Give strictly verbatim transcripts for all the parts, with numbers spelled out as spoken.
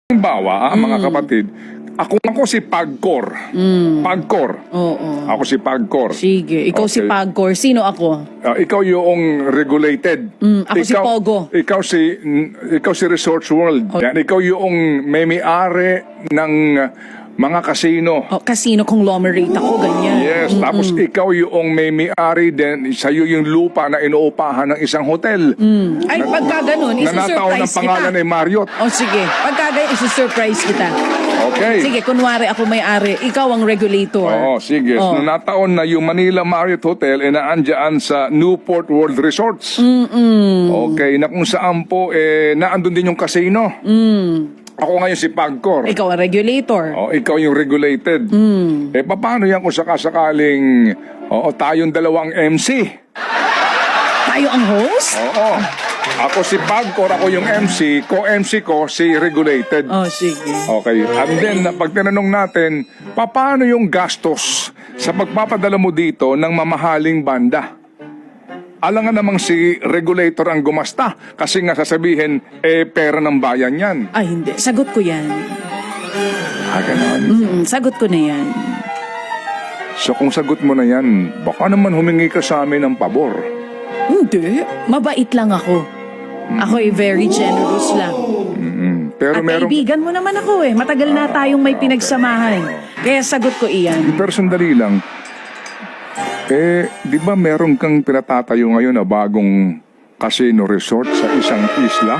Halimbawa, ah, mga kapatid, ako ako si Pagcor. Pagcor. Oo. Ako si Pagcor. Sige, ikaw si Okay. Pagcor. Sino ako? Ah, ikaw yung regulated. Mm, ako si ikaw, Pogo. Ikaw si mm, ikaw si Resorts World. Oh. Yan, ikaw yung may-ari ng uh, mga kasino. Oh, casino conglomerate ako, ganyan. Yes, tapos ikaw yung may-ari din, sa'yo yung lupa na inuupahan ng isang hotel. Ay, pagka ganun, Na nataon ng isusurprise pangalan kita. ay Marriott. Oh, sige. Pagka ganun, isusurprise kita. Okay. Sige, kunwari ako may-ari, ikaw ang regulator. Oo, sige. Oh. So, nataon na yung Manila Marriott Hotel ay naandyan sa Newport World Resorts. Mm-mm. Okay, na kung saan po, eh, naandun din yung casino. Mm. Ako ngayon si Pagcor. Ikaw ang regulator. Oh, ikaw yung regulated. Mm. Eh, paano yan kung sakasakaling oo, tayong dalawang M C? Tayo ang host? Oo. Ako si Pagcor, ako yung M C. Co-M C ko, si regulated. Oh, sige. Okay. And then, pag tinanong natin, paano yung gastos sa pagpapadala mo dito ng mamahaling banda? Alangan namang si regulator ang gumasta kasi nga sasabihin, eh, pera ng bayan yan. Ay, hindi. Sagot ko yan. Ah, ganon. Mm, sagot ko na yan. So kung sagot mo na yan, baka naman humingi ka sa amin ng pabor. Hindi. Mabait lang ako. Ako ay very generous lang. Mm, Pero At meron... kaibigan mo naman ako eh. Matagal na tayong may pinagsamahan. Kaya sagot ko iyan. Pero sandali lang, eh, di ba meron kang pinatatayo ngayon na bagong casino resort sa isang isla?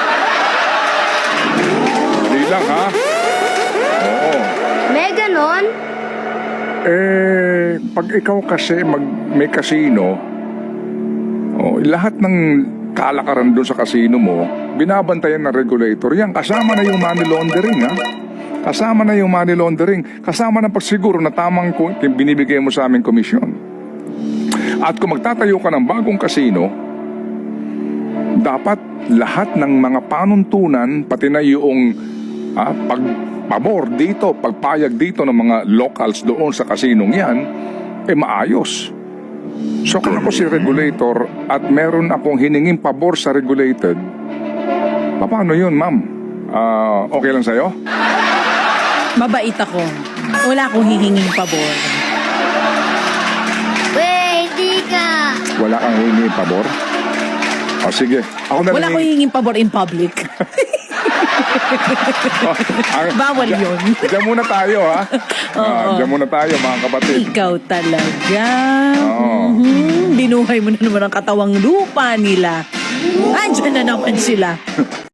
Hindi lang, ha? Oo. May ganon? Eh, pag ikaw kasi mag, may casino, oh, lahat ng kalakaran doon sa casino mo, binabantayan ng regulator. Yan, kasama na yung money laundering, ha? Kasama na yung money laundering. Kasama na pagsiguro na tamang ku- binibigay mo sa aming komisyon. At kung magtatayo ka ng bagong kasino, dapat lahat ng mga panuntunan, pati na yung ah, pagpabor dito, pagpayag dito ng mga locals doon sa kasinong yan, eh maayos. So kung ako si regulator at meron akong hiningin pabor sa regulated, paano yun, ma'am? Ah, okay lang sa'yo? Mabait ako. Wala akong hihinging pabor. Wey, di ka! Wala kang hingin pabor? O sige, ako na Wala lang akong hihinging pabor in public. Ang- Bawal Diyan- yun. Diyan muna tayo, ha? Ah, diyan muna tayo, mga kapatid. Ikaw talaga. Oo. Mhm. Binuhay mo na naman ang katawang lupa nila. Andyan na naman sila.